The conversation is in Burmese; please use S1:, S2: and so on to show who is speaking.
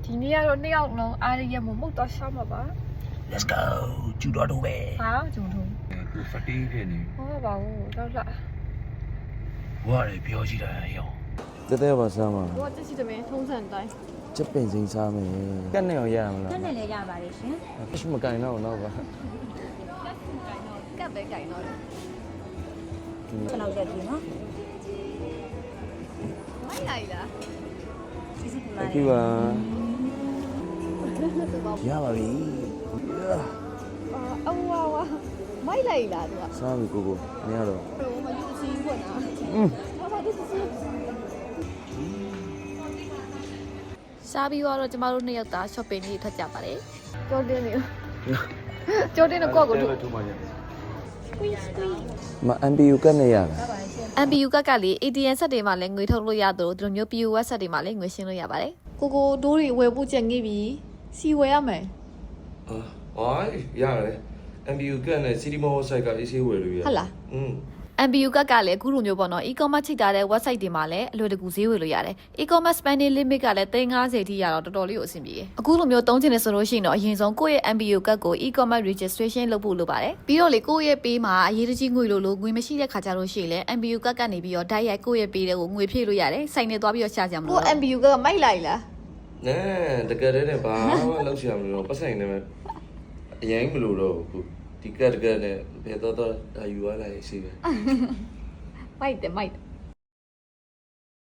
S1: ဒီနေ့ကတော့2ယောက်လုံးအားရရမမုတ်တော့ရှောင်းမှာပါ
S2: Let's go ကျူတော်တော့ပဲ
S1: ဟာဂျုံထုံး
S3: သူဖတီးဖြစ်နေ
S1: ဟောပါဘူးတော့လာ
S2: ဘွားတွေပြောကြည့်တာရော
S4: တဲတဲပါစားမှာ
S1: ဘောတက်စီတမင်းထုံးစံတိုင်း
S4: ချက်ပင်စိမ်းစားမယ်ကက်နဲ့အောင်ရရမလား
S5: တက်နဲ့လည်းရပါလေရှင်
S4: အမကန်တော့တော့ပါ
S1: ကပ်ပဲကြိုင်တော့တယ်
S5: ကျွန်တော်ရက်ပြီနော်
S1: မိုက်လိုက်လား
S5: စီစီပြပါ
S4: ကြည့်ပါရပါပြီ
S1: အဝါဝါမိုက်လိုက်လားသူက
S4: စားပြီကိုမရတော့
S1: ဘယ်မှာယူစီးဝင်တာ ဟာပါဒီစီစားပြီးတော့ကျမတို့2ယောက်သား shopping ကြီးထွက်ကြပါတယ်ကြောတင်းနေကြောတင်းတော့ကိုယ့်ကိုထုတ်
S4: ထုတ်ပါရမ MPU ကက်နဲ့ရတာ
S1: MPU ကလေ ATM ဆက်တွေမှာလည်းငွေထုတ်လို့ရသလိုဒီလိုမျိုး POS ဆက်တွေမှာလည်းငွေရှင်းလို့ရပါတယ်ကိုဒိုးတွေဝယ်ဖို့ကြံခဲ့ပြီစီဝယ်ရမယ်
S6: ရတယ် MBU ကနဲ့ City Mall site က AC ဝယ်လို့ရတယ်
S1: ဟုတ်လား MPU ကလည်းအခုလိုမျိုးပေါ့နော် e-commerce ချိတ်ထားတဲ့ website တွေမှာလည်းအလွယ်တကူဈေးဝယ်လို့ရတယ် e-commerce spending limit ကလည်း350ထိရတော့တော်တော်လေးကိုအဆင်ပြေတယ်အခုလိုမျိုးသုံးချင်နေဆိုလို့ရှိရင်တော့အရင်ဆုံးကိုယ့်ရဲ့ MPU ကကို e-commerce registration လုပ်ဖို့လိုပါတယ်ပြီးတော့လေကိုယ့်ရဲ့ပေးမှာအရေးတကြီးငွေလိုငွေမရှိတဲ့ခါကြလို့ရှိရင်လည်း MPU ကနေပြီးတော့ဓာတ်ရိုက်ကိုယ့်ရဲ့ပေးတဲ့ကိုငွေဖြည့်လို့ရတယ်စိုက်နေသွားပြီးတော့ရှာကြမှာလို့ MPU ကမိုက်လိုက်လား
S6: နဲတကယ်တည်းနဲ့ဘာမှလောက်ချင်မလို့ပတ်ဆိုင်နေမှာအရင်မလို့တော့ဘူးဒီကတ်နဲ့ဘယ်တော့ဒါယူရလိုက်ရှိပဲ
S1: မိုက်တယ်